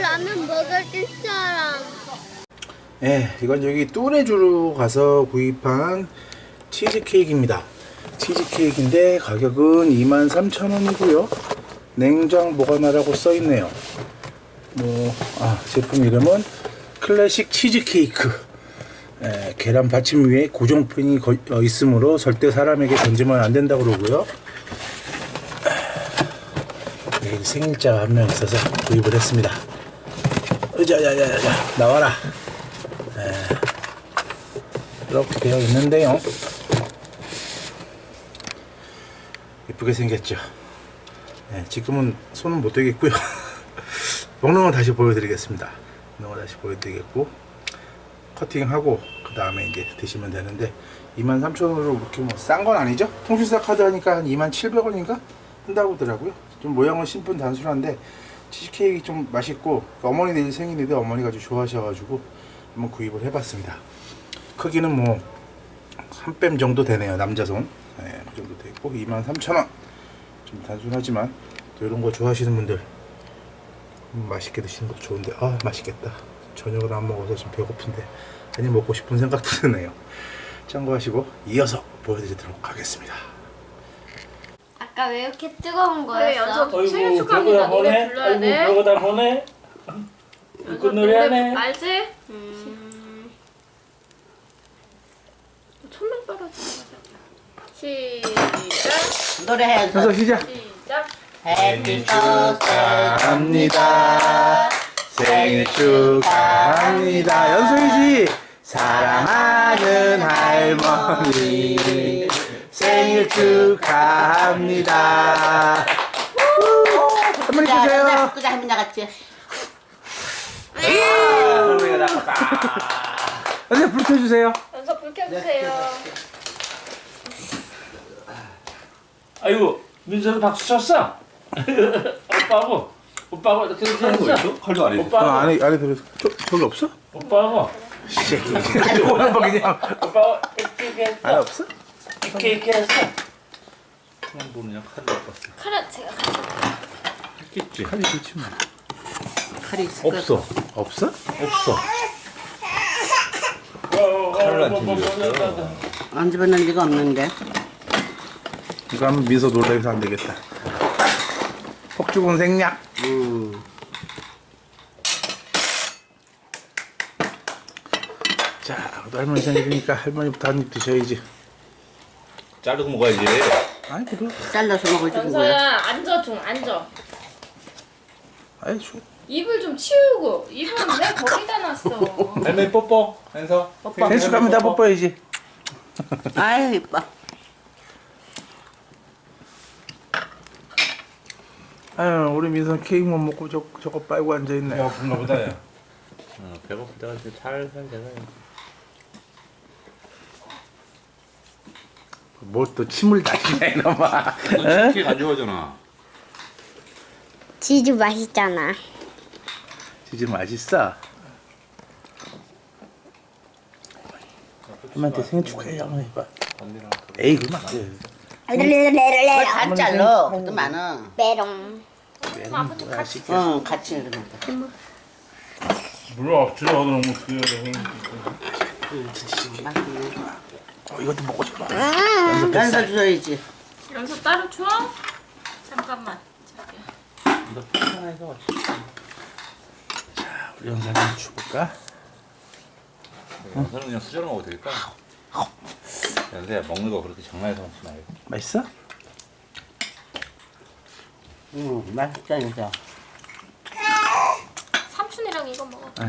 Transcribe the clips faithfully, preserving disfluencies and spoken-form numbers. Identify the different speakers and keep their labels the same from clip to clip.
Speaker 1: 라면 먹을 사람.
Speaker 2: 네, 이건 여기 뚜레주로 가서 구입한 치즈케이크입니다. 치즈케이크인데 가격은 이만 삼천 원이고요. 냉장 보관하라고 써있네요. 뭐, 아, 제품 이름은 클래식 치즈케이크. 에, 계란 받침 위에 고정핀이 거, 어, 있으므로 절대 사람에게 던지면 안 된다고 그러고요. 네, 생일자가 한 명 있어서 구입을 했습니다. 으자자자자 나와라. 에, 이렇게 되어 있는데요. 예쁘게 생겼죠. 네, 지금은 손은 못 대겠고요. 먹는 건 다시 보여드리겠습니다. 먹는 거 다시 보여드리겠고 커팅하고 그 다음에 이제 드시면 되는데 이만 삼천 원으로 그렇게 뭐 싼 건 아니죠? 통신사 카드 하니까 한 이만 칠백 원인가 한다고 하더라고요. 좀 모양은 심플 단순한데 치즈케이크 좀 맛있고 어머니 내일 생일인데 어머니가 아주 좋아하셔가지고 한번 구입을 해봤습니다. 크기는 뭐 한 뺨 정도 되네요. 남자 손. 네, 그 정도 되고 이만 삼천 원. 좀 단순하지만 또 이런 거 좋아하시는 분들 음, 맛있게 드시는 것도 좋은데 아 맛있겠다. 저녁을 안 먹어서 지금 배고픈데 괜히 먹고 싶은 생각도 드네요. 참고하시고 이어서 보여드리도록 하겠습니다.
Speaker 1: 아까 왜 이렇게 뜨거운
Speaker 3: 그래,
Speaker 1: 거였어?
Speaker 3: 연서 생일 축하합니다. 노래 불러야 돼.
Speaker 4: 아이고 별거다 보네.
Speaker 3: 연서
Speaker 4: 그 노래하네.
Speaker 3: 알지?
Speaker 1: 음,
Speaker 3: 천명 떨어지는 거잖아. 시작.
Speaker 5: 노래해.
Speaker 2: 현서 시작.
Speaker 3: 시작.
Speaker 5: 해피 버스데이
Speaker 2: 축하합니다. 생일 축하합니다. 연소이지 사랑하는 할머니 생일 축하합니다. 할머니 주세요.
Speaker 5: 끄자 할머니 나갔지.
Speaker 4: 할머니가 나갔다.
Speaker 2: 선생님 불 켜주세요.
Speaker 3: 연서 불 켜주세요.
Speaker 4: 아이고 민서는 박수 쳤어. 오빠하고 오빠하고 이렇게 하는 거 있어?
Speaker 6: 칼도 안 했어.
Speaker 2: 어,
Speaker 4: 오빠하고
Speaker 2: 안에 안에 들어. 저 저기 없어?
Speaker 4: 오빠하고
Speaker 2: 오빠 그냥
Speaker 4: 오빠하고 이렇게 했어.
Speaker 2: 안에 없어?
Speaker 4: 이렇게 이렇게 했어.
Speaker 6: 그만 보느냐 칼도 안 봤어.
Speaker 3: 칼은 제가
Speaker 6: 했겠지.
Speaker 2: 칼이 좋지 뭐.
Speaker 5: 칼이 있을 거.
Speaker 2: 없어. 없어?
Speaker 6: 없어. 칼을 안 챙겼어.
Speaker 5: 안 집어넣을 리가 없는데.
Speaker 2: 이거 하면 미소 놀라서 안 되겠다. 폭죽은 생략.
Speaker 5: 음.
Speaker 2: 자, 또 할머니 생일이니까 할머니부터 한 입 드셔야지.
Speaker 6: 자르고 먹어야지.
Speaker 2: 아이 그래.
Speaker 5: 잘라서 먹을 줄 뭐야.
Speaker 3: 연서야 앉아 좀 앉아.
Speaker 2: 아이 주.
Speaker 3: 입을 좀 치우고 입은 왜 거기다 놨어.
Speaker 6: 할머니 뽀뽀. 현서.
Speaker 2: 생일 축하합니다. 뽀뽀해야지.
Speaker 5: 아유 이뻐.
Speaker 2: 아유 우리 민선 케이크 못 먹고 저 저거 빨고 앉아 있네.
Speaker 4: 배고픈가 보다 야.
Speaker 6: 어, 배고프다가 이제 살살 내가.
Speaker 2: 뭘 또 침을 다시냐 이놈아. 응?
Speaker 6: 치킨 안 좋아하잖아.
Speaker 1: 치즈 맛있잖아.
Speaker 2: 치즈 맛있어. 할머니한테 생일 축하해 한번 해봐.
Speaker 6: 언니랑.
Speaker 2: 에이 그만. 그
Speaker 5: 왜안 잘라? 그것도 많아.
Speaker 1: 메롱.
Speaker 2: 얘는 뭐야 시켜.
Speaker 5: 응 같이 이러면 돼.
Speaker 4: 물론 억지로 하더라면 어떻게 해야 돼.
Speaker 5: 맛있네.
Speaker 2: 어, 이것도 먹고 싶어.
Speaker 5: 연서 줘야지.
Speaker 3: 연서 따로 줘? 잠깐만. 저기.
Speaker 2: 너 편해서 왔지. 자 우리 영상님 줘볼까?
Speaker 6: 연서는 그냥 수저로 먹어도 되겠다. 연서야 먹는 거 그렇게 장난해서 먹지 말고.
Speaker 2: 맛있어?
Speaker 5: 응 맛있다 연서.
Speaker 3: 삼촌이랑 이거 먹어.
Speaker 2: 아유.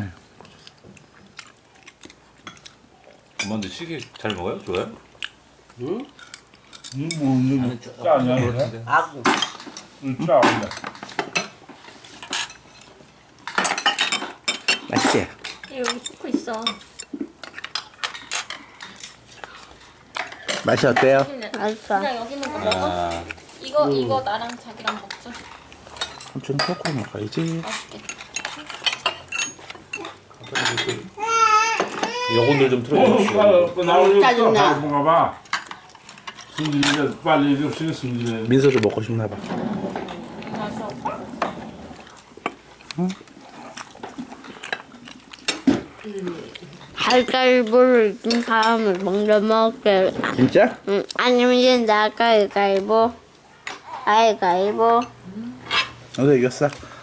Speaker 6: 엄마한테 치킨 잘 먹어요? 좋아요?
Speaker 5: 응?
Speaker 4: 뭐 짜 아니야 그래?
Speaker 5: 아구.
Speaker 4: 짜 아니야.
Speaker 2: 맛있지?
Speaker 3: 여기 포크 있어.
Speaker 2: 맛이 어때요?
Speaker 1: 맛있어.
Speaker 3: 그냥 여기 있는 거 먹어.
Speaker 6: 아.
Speaker 3: 이거 이거 나랑 자기랑 먹자.
Speaker 2: 삼촌 코코 먹어야지.
Speaker 3: 맛있겠다.
Speaker 6: 요건들 좀 틀어주시오.
Speaker 4: 나오니까
Speaker 5: 짜증나.
Speaker 4: 뭔가 봐. 승진이가 빨리 좀 신경 승진해.
Speaker 2: 민서도 먹고 싶나 봐.
Speaker 3: 맛있어.
Speaker 1: 가위바위보를 이긴 사람을 먼저 먹게.
Speaker 2: 진짜?
Speaker 1: 응, 아니면 이제 나 가위바위보. 가위바위보.
Speaker 2: 너도 이겼어.